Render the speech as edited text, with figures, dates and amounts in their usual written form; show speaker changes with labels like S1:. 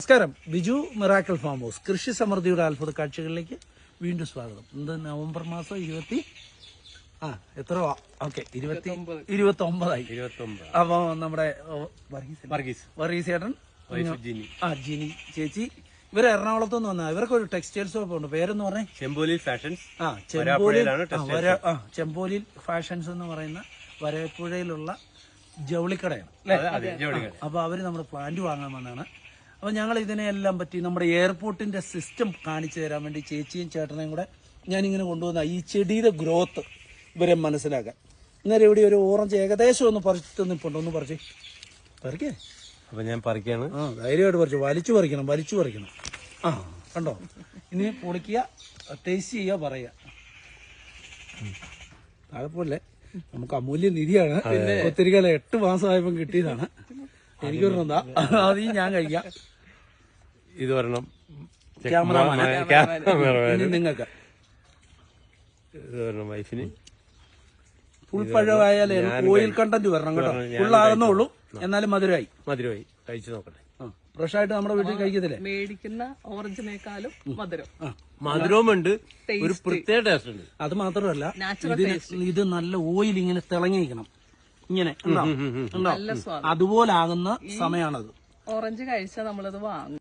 S1: നമസ്കാരം. Biju miracle farm house കൃഷി സമൃദ്ധിയുടെ അത്ഭുത കാഴ്ചകളിലേക്ക് വീണ്ടും സ്വാഗതം. ഇന്ന് നവംബർ മാസം 29 അപ്പൊ നമ്മുടെ വർഗീസ് ചേട്ടൻ, ജിനി ചേച്ചി, ഇവര് എറണാകുളത്ത് നിന്ന് വന്ന ഇവർക്ക് ഒരു ടെക്സ്റ്റൈൽ ഷോപ്പ് ഉണ്ട്. പേരെന്ന് പറഞ്ഞേ
S2: ചെമ്പോലിൽ ഫാഷൻസ്.
S1: ചെമ്പോലിൽ ഫാഷൻസ് എന്ന് പറയുന്ന വരപ്പുഴയിലുള്ള ജൗളിക്കടയാണ്. അപ്പൊ അവര് നമ്മുടെ പ്ലാന്റ് വാങ്ങാൻ വന്നാണ്. അപ്പൊ ഞങ്ങൾ ഇതിനെല്ലാം പറ്റി നമ്മുടെ എയർപോർട്ടിന്റെ സിസ്റ്റം കാണിച്ചു തരാൻ വേണ്ടി ചേച്ചിയും ചേട്ടനെയും കൂടെ ഞാനിങ്ങനെ കൊണ്ടുവന്ന ഈ ചെടിയുടെ ഗ്രോത്ത് ഇവരെ മനസ്സിലാക്കാൻ. ഇന്നലെ ഇവിടെ ഒരു ഓറഞ്ച് ഏകദേശം ഒന്ന് പറിച്ചു നിൽപ്പുണ്ട്. ഒന്ന് പറിക്കേ.
S2: അപ്പൊ ഞാൻ പറിക്കാണ്.
S1: ധൈര്യമായിട്ട് വലിച്ചു പറിക്കണം. കണ്ടോ, ഇനി പൊളിക്കുക, ടേസ്റ്റ് ചെയ്യുക, പറയുക. കുഴപ്പമില്ലേ, നമുക്ക് അമൂല്യ നിധിയാണ്. ഒത്തിരി കാലം 8 മാസമായപ്പോൾ കിട്ടിയതാണ്. എനിക്കൊരെണ്ണം അത് ഞാൻ കഴിക്കാം.
S2: ഇത് വരണം
S1: നിങ്ങൾക്ക്.
S2: ഇത് വരണം വൈഫിന്.
S1: ഫുൾപ്പഴമായാലേ ഓയിൽ കണ്ടന്റ് വരണം കേട്ടോ. ഫുള്ളാകുന്നുള്ളൂ, എന്നാലും മധുരമായി
S2: കഴിച്ചു നോക്കട്ടെ.
S1: ഫ്രഷ് ആയിട്ട് നമ്മുടെ വീട്ടിൽ കഴിക്കത്തില്ലേ,
S3: മേടിക്കുന്ന ഓറഞ്ചിനേക്കാളും
S2: മധുരവുമുണ്ട്, ഒരു പ്രത്യേക ടേസ്റ്റ് ഉണ്ട്.
S1: അത് മാത്രമല്ല ഇത് നല്ല ഓയിൽ ഇങ്ങനെ തിളങ്ങിയിരിക്കണം. ഇങ്ങനെ അതുപോലെ ആകുന്ന സമയമാണത്.
S3: ഓറഞ്ച് കഴിച്ചാൽ നമ്മളത് വാങ്ങും.